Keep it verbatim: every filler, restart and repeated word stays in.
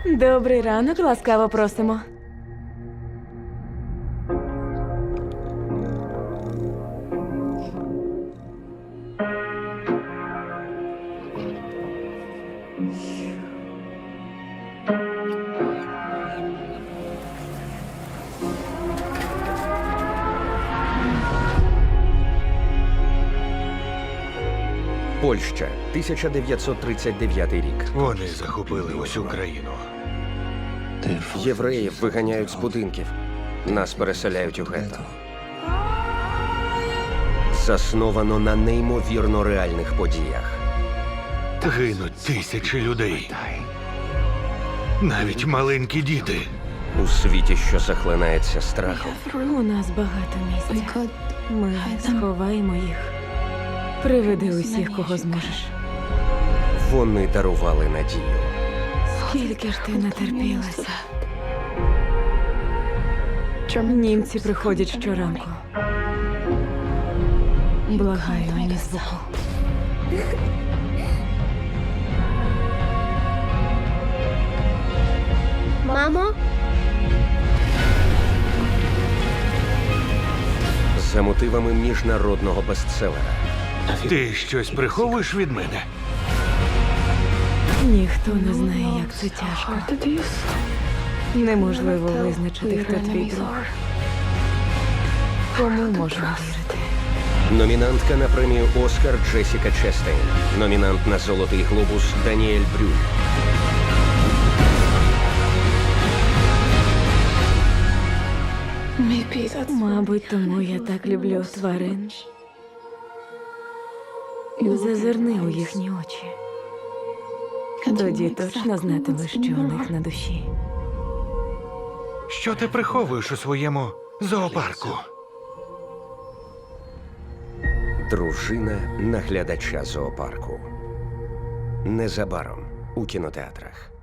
Добрий ранок, ласкаво просимо. Польща, тисяча дев'ятсот тридцять дев'ятий рік. Вони захопили усю країну. Євреїв виганяють з будинків. Нас переселяють у гетто. Засновано на неймовірно реальних подіях. Гинуть тисячі людей. Навіть маленькі діти. У світі, що захлинається страхом. У нас багато місця. Ми сховаємо їх. Приведи усіх, кого зможеш. Вони дарували надію. Скільки ж ти натерпілася? Німці приходять щоранку. Благаю, ані звуку. Мамо? За мотивами міжнародного бестселера. Ти щось приховуєш від мене? Ніхто не знає, як це тяжко. Неможливо визначити, хто твій друг. Кому можна вірити? Номінантка на премію «Оскар» Джесіка Честейн. Номінант на «Золотий глобус» Даніель Брюль. Мабуть, тому я так люблю тварин. Зазирни у їхні очі. Тоді точно знатимеш, що у них на душі. Що ти приховуєш у своєму зоопарку? Дружина наглядача зоопарку. Незабаром у кінотеатрах.